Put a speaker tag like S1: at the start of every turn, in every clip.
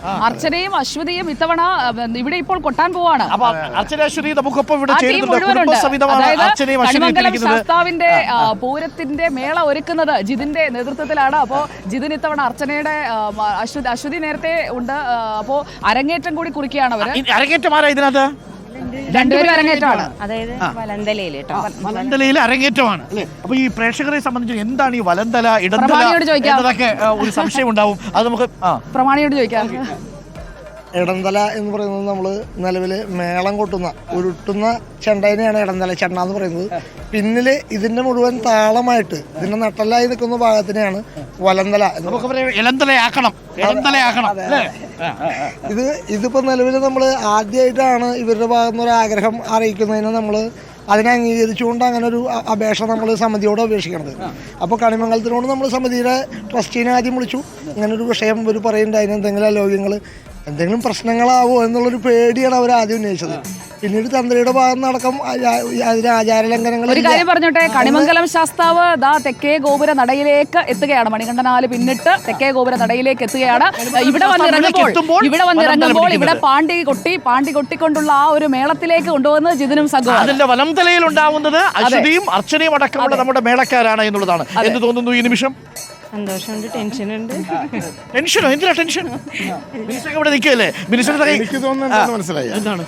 S1: അർച്ചനയും അശ്വതിയും ഇത്തവണ ഇവിടെ ഇപ്പോൾ കൊട്ടാൻ പോവാണ്. ശാസ്താവിന്റെ പൂരത്തിന്റെ മേള ഒരുക്കുന്നത് ജിതിന്റെ നേതൃത്വത്തിലാണ്. അപ്പോ ജിതിൻ ഇത്തവണ അർച്ചനയുടെ അശ്വതി നേരത്തെ ഉണ്ട്. അപ്പോ അരങ്ങേറ്റം കൂടി കുറിക്കുകയാണ് അവര്.
S2: അരങ്ങേറ്റമാരാ ഇതിനകത്ത്
S1: രണ്ടുപേരും അരങ്ങേറ്റമാണ്.
S3: അതായത്
S2: വലന്തലയിൽ അരങ്ങേറ്റമാണ് അല്ലേ? അപ്പൊ ഈ പ്രേക്ഷകരെ സംബന്ധിച്ച് എന്താണ് ഈ വലന്തല ഇടന്തല എന്നതൊക്കെ ഒരു സംശയം ഉണ്ടാവും. അത് നമുക്ക്
S1: പ്രമാണിയോട് ചോദിക്കാം.
S4: ഇടന്തല എന്ന് പറയുന്നത് നമ്മൾ നിലവിൽ മേളം കൊട്ടുന്ന ഉരുട്ടുന്ന ചെണ്ടേനെയാണ് ഇടന്തല ചെണ്ട എന്ന് പറയുന്നത്. പിന്നിൽ ഇതിന്റെ മുഴുവൻ താളമായിട്ട് ഇതിന്റെ നട്ടലായി നിൽക്കുന്ന ഭാഗത്തിനെയാണ് വലന്തല. ഇതിപ്പോ നിലവിൽ നമ്മൾ ആദ്യമായിട്ടാണ് ഇവരുടെ ഭാഗത്ത് നിന്ന് ഒരു ആഗ്രഹം അറിയിക്കുന്നതിന് നമ്മൾ അതിനെ അംഗീകരിച്ചുകൊണ്ട് അങ്ങനെ ഒരു അപേക്ഷ നമ്മൾ സമിതിയോട് അപേക്ഷിക്കണത്. അപ്പോൾ കണിമംഗലത്തിനോട് നമ്മൾ സമിതിയുടെ ട്രസ്റ്റീനെ ആദ്യം വിളിച്ചു. ഇങ്ങനൊരു വിഷയം ഇവർ പറയുന്നുണ്ട്, അതിനെന്തെങ്കിലും അലോഗ്യങ്ങൾ എന്തെങ്കിലും പ്രശ്നങ്ങളാവോ എന്നുള്ളൊരു പേടിയാണ് അവർ ആദ്യം ഉന്നയിച്ചത്. പിന്നീട് തന്ത്രിയുടെ ഭാഗം നടക്കം അതിന് ആചാരലംഘനങ്ങൾ.
S1: ഒരു കാര്യം പറഞ്ഞോട്ടെ, കണിമംഗലം ശാസ്താവ് തെക്കേ ഗോപുര നടയിലേക്ക് എത്തുകയാണ്. മണികണ്ഠനാല് പിന്നിട്ട് തെക്കേ ഗോപുര നടയിലേക്ക് എത്തുകയാണ്. ഇവിടെ വന്നിറങ്ങുമ്പോൾ ഇവിടെ പാണ്ടി കൊട്ടിക്കൊണ്ടുള്ള ആ ഒരു മേളത്തിലേക്ക് കൊണ്ടുവന്ന് ജിതിനും സംഘവും
S2: അതിന്റെ വലംതലയിൽ ഉണ്ടാവുന്നത് അശ്വതിയും അർച്ചനയും അടക്കമുള്ള നമ്മുടെ മേളക്കാരാണ് എന്നുള്ളതാണ്. എന്ത് തോന്നുന്നു ഈ നിമിഷം?
S3: സന്തോഷമുണ്ട്, ടെൻഷനുണ്ട്.
S2: ടെൻഷനോ? എന്തിനാ ടെൻഷൻ? മിനിസ്റ്റർ ഇവിടെ നിൽക്കല്ലേ?
S5: എനിക്ക് തോന്നുന്നത് മനസ്സിലായി. എന്താണ്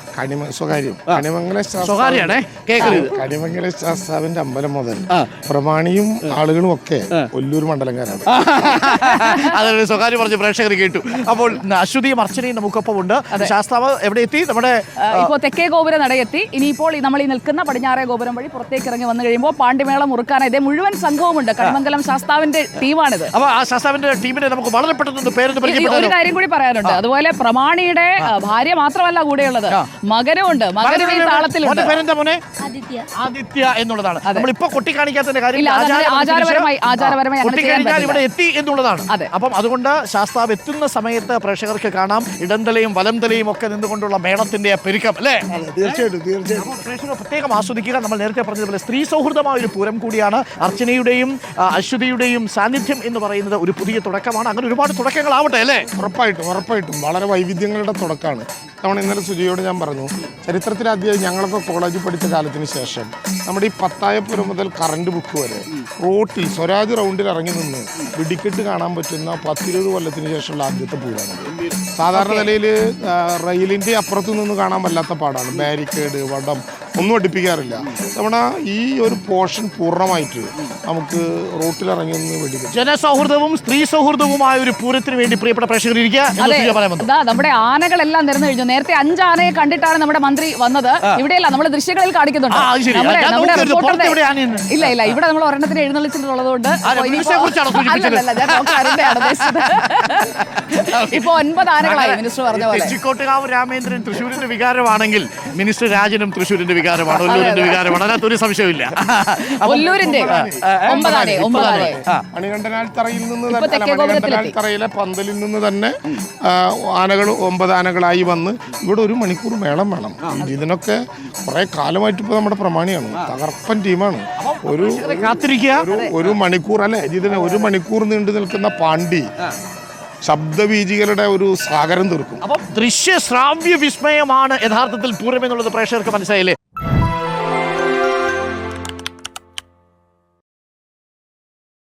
S5: കണിമംഗല ശാസ്താവിന്റെ അമ്പലം മുതൽ പ്രമാണിയും ആളുകളും ഒക്കെ ഒല്ലൂർ മണ്ഡലക്കാരാണ്.
S2: അതൊരു സ്വകാര്യം പറഞ്ഞ് പ്രേക്ഷകർ കേട്ടു. അപ്പോൾ അശ്വതിയും അർച്ചനയും നമുക്കൊപ്പം ഉണ്ട്. ശാസ്താവ് എവിടെ എത്തി? നമ്മുടെ
S1: ഇപ്പോൾ തെക്കേ ഗോപുര നടയെത്തി. ഇനിയിപ്പോൾ നമ്മൾ ഈ നിൽക്കുന്ന പടിഞ്ഞാറേ ഗോപുരം വഴി പുറത്തേക്ക് ഇറങ്ങി വന്നു കഴിയുമ്പോൾ പാണ്ടിമേളം മുറുക്കാനായി ഇതേ മുഴുവൻ സംഘവുമുണ്ട്. കണിമംഗലം ശാസ്താവിന്റെ ടീമാണ്.
S2: അപ്പൊ ആ ശാസ്താവിന്റെ ടീമിനെ നമുക്ക് വളരെ പെട്ടെന്ന്
S1: ഒരു കാര്യം കൂടി പറയാനുണ്ട്. അതുപോലെ പ്രമാണിയുടെ ഭാര്യ മാത്രമല്ല കൂടെയുള്ളത്, മകനുമുണ്ട്. മകനും ഈ താളത്തിലുണ്ട്.
S2: ആദിത്യ എന്നുള്ളതാണ്. നമ്മളിപ്പോ കൊട്ടിക്കാണിക്കാത്തതിന്റെ കാര്യം
S1: ആചാരപരമായി
S2: ഇവിടെ എത്തി എന്നുള്ളതാണ്. അപ്പം അതുകൊണ്ട് ശാസ്താവ് എത്തുന്ന സമയത്ത് പ്രേക്ഷകർക്ക് കാണാം ഇടന്തലയും വലന്തലയും ഒക്കെ നിന്നുകൊണ്ടുള്ള മേളത്തിന്റെ പെരുക്കം അല്ലേ?
S4: തീർച്ചയായിട്ടും
S2: പ്രേക്ഷകർ പ്രത്യേകം ആസ്വദിക്കുക. നമ്മൾ നേരത്തെ പറഞ്ഞതുപോലെ സ്ത്രീ സൗഹൃദമായ ഒരു പൂരം കൂടിയാണ്. അർച്ചനയുടെയും അശ്വതിയുടെയും സാന്നിധ്യം എന്ന് പറയുന്നത് ഒരു പുതിയ തുടക്കമാണ്. അങ്ങനെ ഒരുപാട് തുടക്കങ്ങളാവട്ടെ അല്ലേ?
S5: ഉറപ്പായിട്ടും വളരെ വൈവിധ്യങ്ങളുടെ തുടക്കമാണ്. നമ്മൾ ഇന്നലെ സുജയോട് ഞാൻ പറഞ്ഞു, ചരിത്രത്തിലാദ്യമായി ഞങ്ങളൊക്കെ കോളേജിൽ പഠിച്ച കാലത്തിന് ശേഷം നമ്മുടെ ഈ പത്തായപ്പുരം മുതൽ കറണ്ട് ബുക്ക് വരെ റോട്ടിൽ സ്വരാജ് റൗണ്ടിൽ ഇറങ്ങി നിന്ന് വെടിക്കെട്ട് കാണാൻ പറ്റുന്ന 10-20 കൊല്ലത്തിന് ശേഷമുള്ള ആദ്യത്തെ പൂരാണ്. സാധാരണ നിലയിൽ റെയിലിൻ്റെ അപ്പുറത്തു നിന്ന് കാണാൻ വല്ലാത്ത പാടാണ്. ബാരിക്കേഡ് വടം ഒന്നും അടുപ്പിക്കാറില്ല. നമ്മുടെ ഈ ഒരു പോർഷൻ പൂർണ്ണമായിട്ട് നമുക്ക് റോട്ടിലിറങ്ങി ഒന്ന് വെടിക്കെട്ട്
S2: ജനസൗഹൃദവും സ്ത്രീ സൗഹൃദവുമായ ഒരു പൂരത്തിന് വേണ്ടി പ്രിയപ്പെട്ട പ്രേക്ഷകർ
S1: നമ്മുടെ ആനകളെല്ലാം നിരന്നു കഴിഞ്ഞു. നേരത്തെ 5 ആനയെ കണ്ടിട്ടാണ് നമ്മുടെ മന്ത്രി വന്നത്. ഇവിടെയല്ല, നമ്മുടെ ദൃശ്യങ്ങളിൽ കാണിക്കുന്നുണ്ട്. ഇല്ല ഇവിടെ നമ്മൾ ഒരെണ്ണത്തിന് എഴുന്നള്ളിച്ചിട്ടുള്ളതുകൊണ്ട് ഇപ്പൊ 9 ആനകളായി മിനിസ്റ്റർ പറഞ്ഞ പോലെ.
S2: തെച്ചിക്കോട്ടുകാവ് രാമേന്ദ്രൻ തൃശ്ശൂരിന്റെ വികാരമാണെങ്കിൽ മിനിസ്റ്റർ രാജനും തൃശ്ശൂരിന്റെ വികാരമാണ്, ഒല്ലൂരിന്റെ വികാരമാണ്. അതിനകത്തൊരു സംശയമില്ല.
S1: ഒല്ലൂരിന്റെ 9 ആന
S5: മണികണ്ഠനാൽ തറയിൽ നിന്ന് മണികണ്ഠനാൽ തറയിലെ പന്തലിൽ നിന്ന് തന്നെ ആനകൾ 9 ആനകളായി വന്ന് ഇവിടെ 1 മണിക്കൂർ മേളം വേണം. ഇതിനൊക്കെ കുറെ കാലമായിട്ട് ഇപ്പൊ നമ്മുടെ പ്രമാണിയാണ്, തകർപ്പൻ ടീമാണ്. ഒരു മണിക്കൂർ അല്ലെ ഇതിന് 1 മണിക്കൂർ നീണ്ടു നിൽക്കുന്ന പാണ്ടി ശബ്ദബീജികളുടെ ഒരു സാഗരം തീർക്കും.
S2: അപ്പം ദൃശ്യ ശ്രാവ്യ വിസ്മയമാണ് യഥാർത്ഥത്തിൽ പൂരം എന്നുള്ളത് പ്രേക്ഷകർക്ക് മനസ്സിലായില്ലേ?